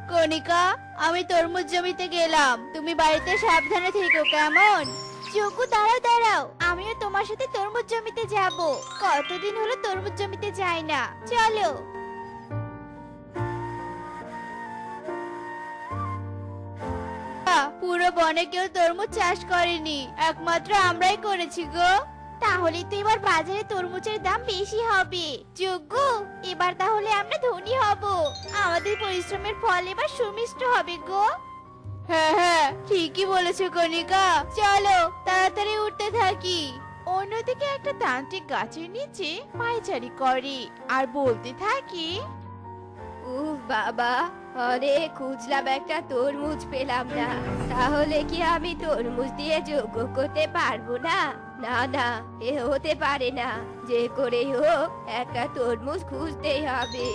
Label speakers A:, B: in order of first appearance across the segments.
A: কণিকা, আমি তরমুজ জমিতে গেলাম, তুমি বাড়িতে সাবধানে থেকো কেমন? যোগ্য, দাঁড়াও দাঁড়াও, আমিও তোমার সাথে তরমুজ জমিতে যাব। কতদিন হলো তরমুজ জমিতে যাই না, চলো। পুরো বনে কেউ তরমুজ চাষ করেনি, একমাত্র আমরাই করেছি গো। তাহলে তো এবার বাজারে তরমুজের দাম বেশি হবে। যোগ্য, এবার তাহলে আমরা ধনী হব, আমাদের পরিশ্রমের ফল এবার সুমিষ্ট হবে গো। হ্যাঁ হ্যাঁ, ঠিকই বলেছো কণিকা, চলো তাড়াতাড়ি উঠতে থাকি। অন্যদিকে একটা তান্ত্রিক গাছের নিচে পায়চারি করে আর বলতে থাকে,
B: উফ বাবা, অনেক খুঁজলাম, একটা তরমুজ পেলাম না। তাহলে কি আমি তরমুজ দিয়ে যোগ্য করতে পারবো না? না না, এ হতে পারে না। যে করেই হোক একটা তরমুজ খুঁজতেই হবে।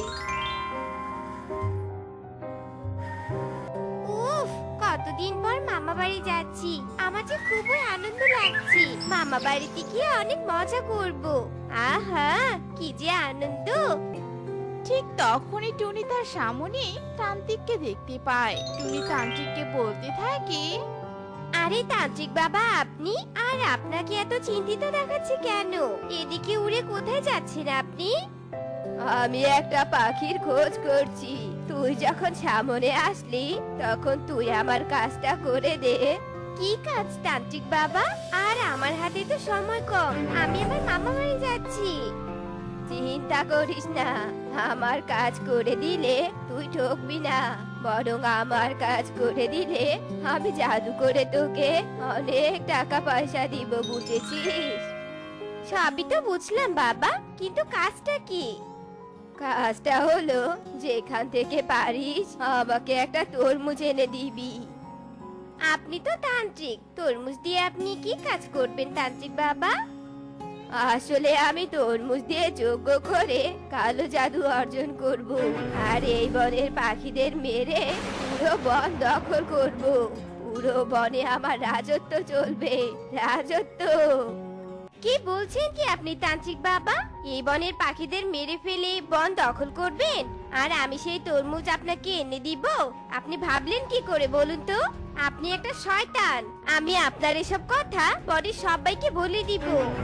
C: উফ, কতদিন পর মামা বাড়ি যাচ্ছি, আমার যে খুবই আনন্দ লাগছে। মামা বাড়িতে গিয়ে অনেক মজা করব। আহা, কি যে আনন্দ।
A: ঠিক তখনই টুনি তার সামনে তান্ত্রিককে দেখতে পায়। টুনি তান্ত্রিককে বলতে থাকে,
C: আরে তান্ত্রিক বাবা, আপনি? আর আপনাকে এত চিন্তিত দেখাচ্ছে কেন? এদিকে উড়ে কোথায় যাচ্ছেন আপনি?
B: আমি একটা পাখির খোঁজ করছি। তুই যখন সামনে আসলি তখন তুই আমার কাজটা করে দে।
C: কি কাজ তান্ত্রিক বাবা? আর আমার হাতে তো সময় কম, আমি আমার মামা বাড়ি যাচ্ছি।
B: চিন্তা করিস না, আমার কাজ করে দিলে তুই ঠকবি না। বরং আমার কাজ করে দিলে আমি জাদু করে তোকে অনেক টাকা পয়সা দিব, বুঝেছিস?
C: সবই তো বুঝলাম বাবা, কিন্তু কাজটা কি?
B: কাজটা হলো যেখান থেকে পারিস আমাকে একটা তরমুজ এনে দিবি।
C: আপনি তো তান্ত্রিক, তরমুজ দিয়ে আপনি কি কাজ করবেন তান্ত্রিক বাবা?
B: আসলে আমি তরমুজ দিয়ে যজ্ঞ করে কালো জাদু অর্জন করব, আর এই বনের পাখিদের মেরে পুরো বন দখল করব। পুরো বনে আমার রাজত্ব চলবে, রাজত্ব।
C: কি বলছেন কি আপনি তান্ত্রিক বাবা? এই বনের পাখিদের মেরে ফেলে বন দখল করবেন, আর আমি সেই তরমুজ আপনাকে এনে দিব? আপনি ভাবলেন কি করে বলুন তো? আপনি একটা শয়তান। আমি আপনার এসব কথা পরে সবাইকে বলে দিব।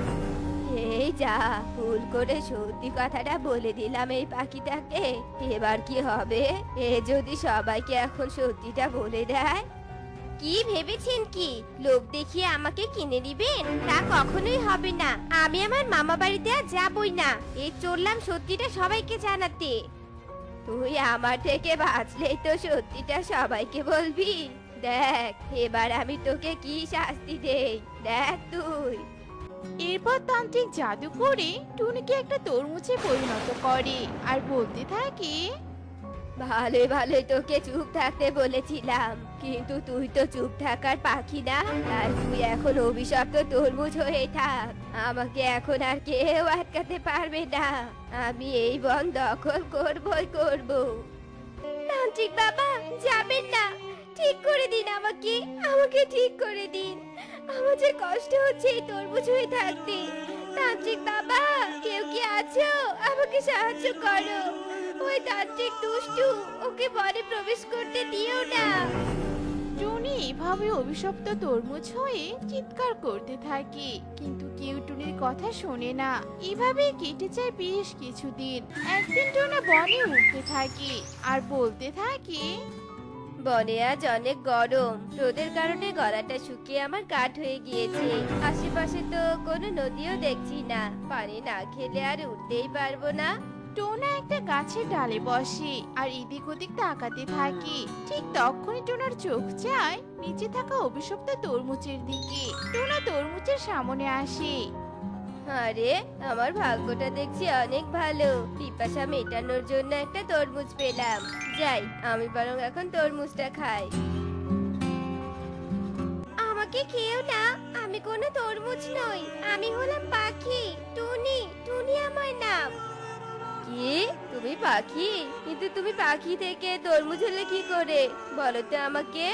B: এই যা, ভুল করে সত্যি কথাটা বলে দিলাম এই পাখিটাকে। এবার কি হবে? এ যদি সবাইকে এখন সত্যিটা বলে দেয়?
C: কি ভেবেছেন কি লোক দেখিয়ে আমাকে কিনে দিবেন? তা কখনোই হবে না। আমি আমার মামা বাড়িতে আর যাবই না। এই চললাম সত্যিটা সবাইকে জানাতে।
B: তুই আমার থেকে বাঁচলেই তো সত্যিটা সবাইকে বলবি। দেখ এবার আমি তোকে কি শাস্তি দেই, দেখ তুই।
A: এরপর তান্ত্রিক জাদু করে টুনিকে একটা তরমুজে পরিণত করে আর বলতে থাকে,
B: ভালোই ভালোই তোকে চুপ থাকতে বলেছিলাম, কিন্তু তুই তো চুপ থাকার পাখি না। তাই তুই এখন অভিশপ্ত তরমুজ হয়ে থাক। আমাকে এখন আর কেউ আটকাতে পারবে না। আমি এই বন দখল করবই করব।
C: তান্ত্রিক বাবা, যাবেন না। ঠিক করে দিন আমাকে, আমাকে ঠিক করে দিন। আমার যে কষ্ট হচ্ছে এই তরমুজ হয়ে থাকতে। তান্ত্রিক বাবা, কেউ কি আছো? আমাকে সাহায্য করো। ওই তান্ত্রিক দুষ্টু, ওকে বনে প্রবেশ করতে দিও না।
A: টুনি এভাবে অভিশপ্ত তরমুজ হয়ে চিৎকার করতে থাকে, কিন্তু কেউ টুনির কথা শোনে না। এভাবেই কেটে যায় বেশ কিছুদিন। একদিন টুনা বনে উঠতে থাকে আর বলতে থাকে,
B: বনে আজ অনেক গরম, রোদের কারণে গলাটা শুকিয়ে আমার কাঠ হয়ে গিয়েছে। আশেপাশে তো কোনো নদীও দেখছি না, পানি না খেলে আর উঠতেই পারবো না।
A: টোনা একটা গাছের ডালে বসে আর এদিক ওদিক তাকাতে থাকে। ঠিক তখনই টোনার চোখ যায় নিচে থাকা অভিশপ্ত তরমুজের দিকে। টোনা তরমুজের সামনে আসে।
B: আরে আমার ভাগ্যটা দেখছি অনেক ভালো, পিপাসা মেটানোর জন্য একটা তরমুজ পেলাম। যাই, আমি বরং এখন তরমুজটা খাই।
C: আমাকে খেও না, আমি কোনো তরমুজ নই। আমি হলাম পাখি, টুনি। টুনি আমার নাম।
B: কি, তুমি পাখি? কিন্তু তুমি পাখি থেকে তরমুজ হলে কি করে, বলো তো আমাকে।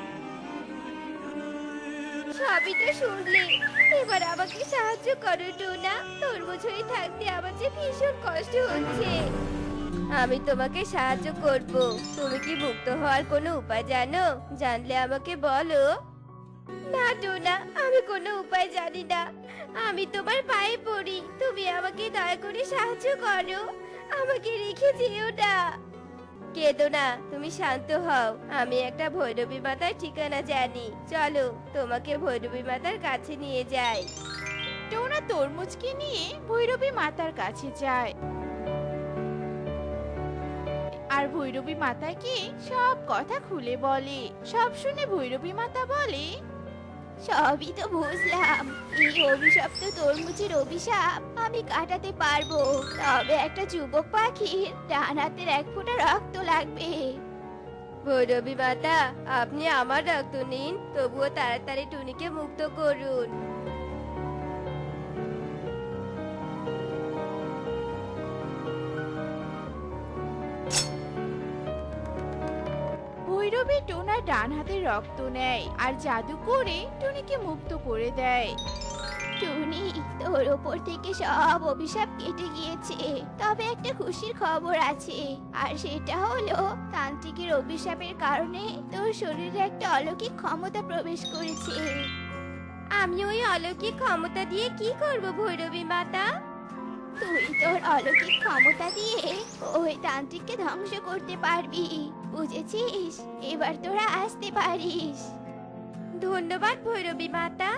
C: সবই তো শুনলে, এবার আমাকে সাহায্য করো টোনা। তরমুজ হয়ে থাকতে আমার যে ভীষণ কষ্ট হচ্ছে।
B: আমি তোমাকে সাহায্য করব। তুমি কি মুক্ত হওয়ার কোনো উপায় জানো? জানলে আমাকে বলো।
C: না টোনা, আমি কোনো উপায় জানি না। আমি তোমার পায়ে পড়ি, তুমি আমাকে দয়া করে সাহায্য করো। আমাকে রেখে যেও না।
B: কেঁদো না, তুমি শান্ত হও। আমি একটা ভৈরবী মাতার ঠিকানা জানি, চলো তোমাকে ভৈরবী মাতার কাছে নিয়ে যাই।
A: টোনা তরমুজকে নিয়ে ভৈরবী মাতার কাছে যায় আর ভৈরবী মাতাকে সব কথা খুলে বলে। সব শুনে ভৈরবী মাতা বলে, সবই তো বুঝলাম, এই অভিশপ্ত তরমুজের অভিশাপ আমি কাটাতে পারবো, তবে একটা যুবক পাখির ডান হাতের এক ফোঁটা রক্ত লাগবে।
B: ভৈরবী মাতা, আপনি আমার রক্ত নিন, তবুও তাড়াতাড়ি টুনিকে মুক্ত করুন।
A: ভৈরবী টোনার ডান হাতের রক্ত নেয় আর জাদু করে টুনিকে মুক্ত করে দেয়। টুনি, তোর ওপর থেকে সব অভিশাপ কেটে গিয়েছে, তবে একটা খুশির খবর আছে, আর সেটা হলো তান্ত্রিকের অভিশাপের কারণে তোর শরীরে একটা অলৌকিক ক্ষমতা প্রবেশ করেছে।
C: আমি ওই অলৌকিক ক্ষমতা দিয়ে কি করব ভৈরবী মাতা?
A: তুই তোর অলৌকিক ক্ষমতা দিয়ে ওই তান্ত্রিককে ধ্বংস করতে পারবি, বুঝেছিস? এবার তোরা আসতে পারিস।
C: ধন্যবাদ ভৈরবী মাতা।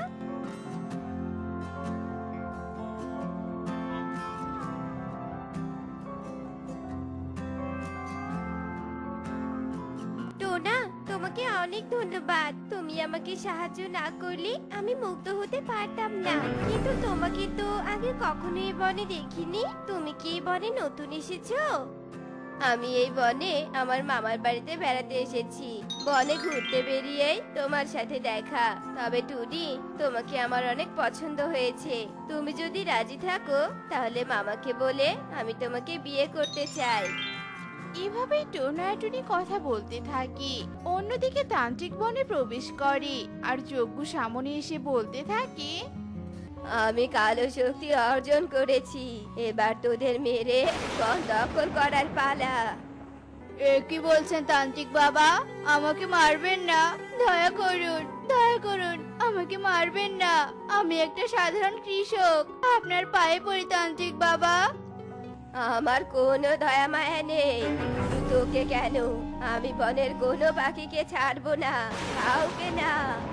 C: টোনা, তোমাকে অনেক ধন্যবাদ। তুমি আমাকে সাহায্য না করলে আমি মুক্ত হতে পারতাম না। কিন্তু তোমাকে তো আগে কখনো এই বনে দেখিনি। তুমি কি এই বনে নতুন এসেছো?
B: আমি এই বনে আমার মামার বাড়িতে বেড়াতে এসেছি। বনে ঘুরতে বেরিয়েই তোমার সাথে দেখা। তবে টুনি, তোমাকে আমার অনেক পছন্দ হয়েছে। তুমি যদি রাজি থাকো তাহলে মামাকে বলে আমি তোমাকে বিয়ে করতে চাই।
A: এভাবেই টোনা আর টুনি কথা বলতে থাকে। অন্যদিকে তান্ত্রিক বনে প্রবেশ করে আর যজ্ঞ সামনে এসে বলতে থাকে,
B: আমি কালো শক্তি অর্জন করেছি, এবার তোদের মেরে বন দখল করার পালা।
A: এ কি বলছেন তান্ত্রিক বাবা? আমাকে মারবেন না, দয়া করুন, দয়া করুন, আমাকে মারবেন না। আমি একটা সাধারণ কৃষক, আপনার পায়ে পড়ি তান্ত্রিক বাবা।
B: আমার কোনো দয়া মায়া নেই। শুধু তোকে কেন, আমি বনের কোনো পাখিকে ছাড়বো না, কাউকে না।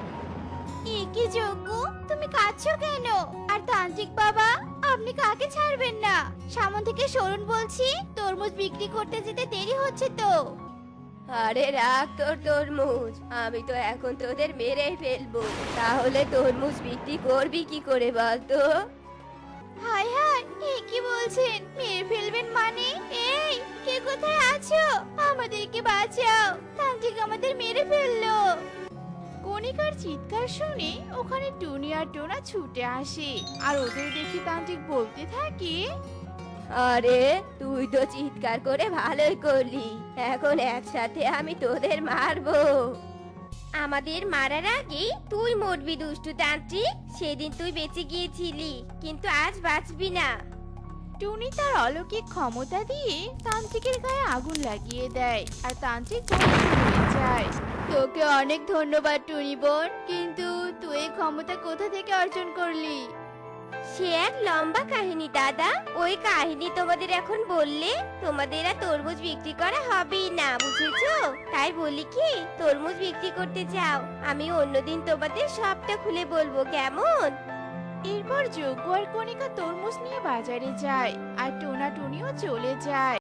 A: এ কি যজ্ঞ, তুমি কাঁদছো কেন? আর তান্ত্রিক বাবা, আপনি কাকে ছাড়বেন না? সামন থেকে সরুন বলছি, তরমুজ বিক্রি করতে যেতে দেরি হচ্ছে তো।
B: আরে রাখ তোর তরমুজ, আমি তো এখন তোদের মেরেই ফেলবো। তাহলে তরমুজ বিক্রি করবি কি করে বলতো?
A: হায় হায়, এ কি বলছেন? মেরে ফেলবেন মানে? এই, কে কোথায় আছো? আমাদেরকে বাঁচাও, তান্ত্রিক আমাদের মেরে ফেললো। কণিকার চিৎকার শুনে ওখানে টুনি আর টোনা ছুটে আসে আর ওদের দেখে তান্ত্রিক বলতে থাকে,
B: আরে তুই তো চিৎকার করে ভালোই করলি, এখন একসাথে আমি তোদের মারবো।
C: আমাদের মারার আগে তুই মরবি দুষ্টু তান্ত্রিক। সেদিন তুই বেঁচে গিয়েছিলি, কিন্তু আজ বাঁচবি না।
A: টুনি তার অলৌকিক ক্ষমতা দিয়ে তান্ত্রিকের গায়ে আগুন লাগিয়ে দেয় আর তান্ত্রিক ধ্বংস হয়ে যায়। তোকে অনেক ধন্যবাদ টুনি বোন, কিন্তু তুই এই ক্ষমতা কোথা থেকে অর্জন করলি?
C: সে এক লম্বা কাহিনী দাদা। ওই কাহিনী তোমাদের এখন বললে তোমাদের আর তরমুজ বিক্রি করা হবেই না, বুঝেছো? তাই বলি কি, তরমুজ বিক্রি করতে যাও, আমি অন্যদিন তোমাদের সবটা খুলে বলবো, কেমন?
A: এরপর যজ্ঞ আর কণিকা তরমুজ নিয়ে বাজারে যায় আর টোনা টুনিও চলে যায়।